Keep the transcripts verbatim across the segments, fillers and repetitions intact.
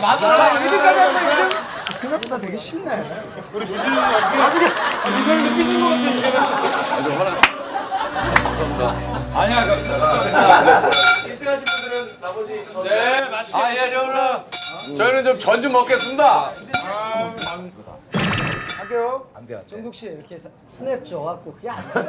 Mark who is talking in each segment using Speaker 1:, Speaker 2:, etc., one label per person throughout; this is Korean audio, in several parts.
Speaker 1: 맞아.
Speaker 2: 이등까지 한 거야, 이등? 생각보다 되게 쉽네.
Speaker 1: 우리 미술님 어떻게? 미술님도 삐진 것 같아.
Speaker 3: 아주 화나. 감사합니다.
Speaker 1: 아니야, 그 일 등 하신 분들은 나머지 저.
Speaker 3: 네, 맛있게. 아, 예, 저는 저희는 좀 전 좀 먹겠습니다.
Speaker 2: 할게요.
Speaker 1: 안 돼, 안 돼.
Speaker 2: 종국 씨 이렇게 사- 스냅 줘갖고 그게 안 돼.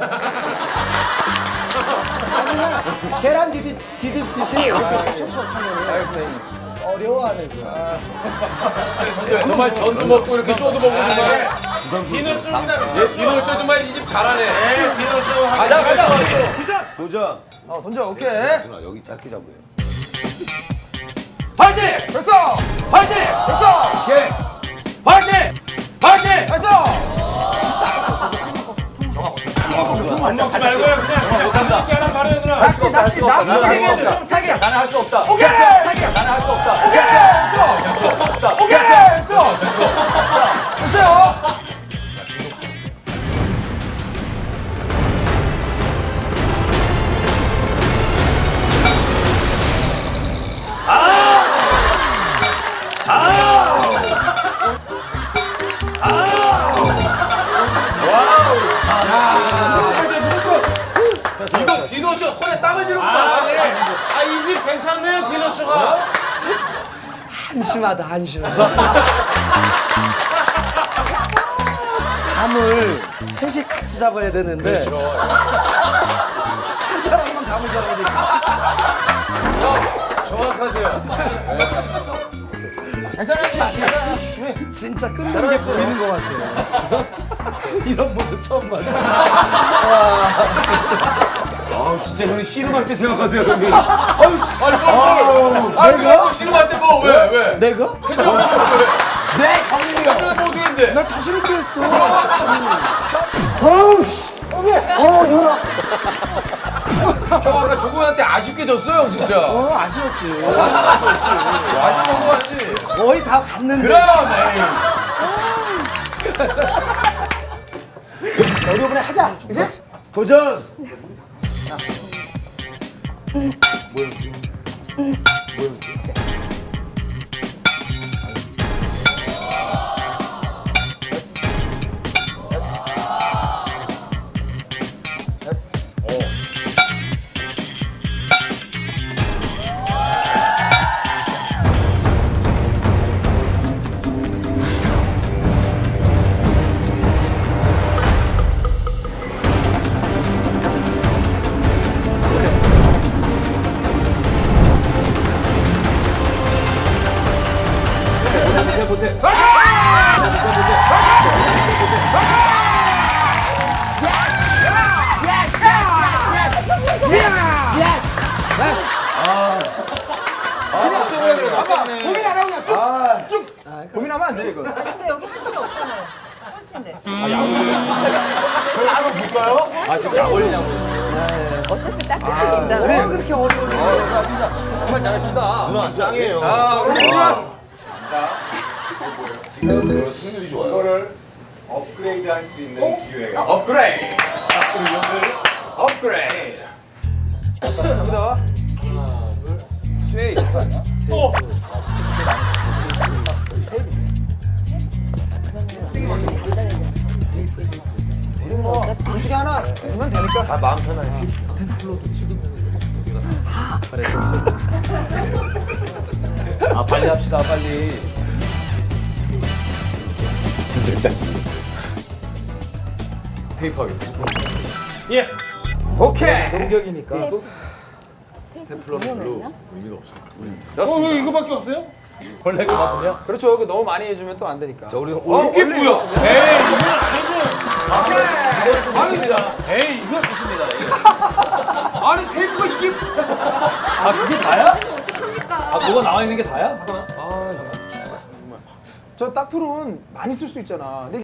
Speaker 2: 계란 디디 디디듯이 이렇게 촉촉 하면 어려워하네 그.
Speaker 3: 정말 전도 먹고 이렇게 쪼도 먹고 있는 거야.
Speaker 1: 비누 씁니다.
Speaker 3: 예, 비누 씨 정말 이 집 잘하네.
Speaker 1: 네, 비누 써.
Speaker 3: 가자, 가자.
Speaker 4: 도전.
Speaker 2: 어 던져 오케이.
Speaker 4: 누나 여기 짧게 잡고요.
Speaker 1: 파이팅!
Speaker 2: 됐어.
Speaker 1: 파이팅!
Speaker 2: 됐어.
Speaker 1: 오케이. 파이팅! 파이팅!
Speaker 2: 됐어.
Speaker 1: 안 먹지 말고요. 그냥 가볍게 하나 말해요, 누나.
Speaker 2: 낚시 낚시 낚시
Speaker 1: 나는
Speaker 2: 좀
Speaker 1: 좀
Speaker 2: 사게.
Speaker 1: 나는 할 수 없다.
Speaker 2: 오케이.
Speaker 1: 나는 할 수 없다.
Speaker 2: 오케이. 됐어. 오케이. 됐어. 됐어요.
Speaker 3: 이거 디노 씨 손에 땀을 지르구나.
Speaker 1: 아, 네. 아, 이 집 괜찮네요, 디노 씨가.
Speaker 2: 한심하다 한심하다. 감을 셋이 같이 잡아야 되는데 한 사람만 감을 잡아야 되니까.
Speaker 3: 정확하세요.
Speaker 2: 괜찮아요. 진짜 끝나는 게 보이는 것 같아요. 이런 모습 처음 봤어요.
Speaker 4: 아 진짜 형님 씨름할 때 생각하세요 형님.
Speaker 3: 아니, 뭘, 뭘. 아니,
Speaker 2: 내가?
Speaker 3: 뭐 싫으면 때 뭐, 왜, 왜?
Speaker 2: 내가?
Speaker 4: 네 형님이요.
Speaker 3: 그래, 뭐 어떻게
Speaker 2: 나 자신 있게 했어. 어우 씨. 어 누나.
Speaker 3: 형 아까 조구한테 아쉽게 졌어요, 진짜.
Speaker 2: 어 아쉬웠지.
Speaker 3: 아쉽던 거 같지?
Speaker 2: 거의 다 갔는데.
Speaker 3: 그럼, 에이.
Speaker 2: 우리 이번에 하자. 이제?
Speaker 4: 도전.
Speaker 2: 고민 안 하고 그냥 쭉. 쭉. 고민하면 안 돼 이거.
Speaker 5: 근데 여기 할 필요 없잖아요. 꼴찌인데.
Speaker 4: 한번 볼까요?
Speaker 3: 아, 지금 약 올리냐고.
Speaker 5: 어차피 딱 끝이 있잖아.
Speaker 2: 왜 그렇게 어려운 일
Speaker 4: 정말 잘하십니다. 누나 짱이에요.
Speaker 2: 아, 우리 누나.
Speaker 4: 지금 승률이 좋아요.
Speaker 6: 이거를 업그레이드 할 수 있는 기회가
Speaker 3: 업그레이드. 업그레이드.
Speaker 2: 갑니다.
Speaker 1: 스웨이 있을 아니야?
Speaker 2: 둘 중에 하나 되면 되니까.
Speaker 4: 아 마음 편하게.
Speaker 1: 아, 빨리 합시다, 빨리.
Speaker 4: 진짜 짱.
Speaker 3: 테이프 하겠습니다.
Speaker 1: 예.
Speaker 2: 오케이. 공격이니까.
Speaker 3: 스테플러는 의미가 없어.
Speaker 1: 어, 이거밖에 없어요? 원래 그거든요?
Speaker 2: 그렇죠. 그 너무 많이 해주면 또 안 되니까.
Speaker 3: 자, 우리 어, 이게 뭐야?
Speaker 1: 에이, 이건 아니고. 이건 끝입니다. 에이, 이건 끝입니다. 이거.
Speaker 3: 아니, 테이프가 이게.
Speaker 1: 아, 그게 다야? 아, 그거 나와 있는 게 다야? 잠깐만.
Speaker 2: 저 딱풀은 많이 쓸 수 있잖아. 근데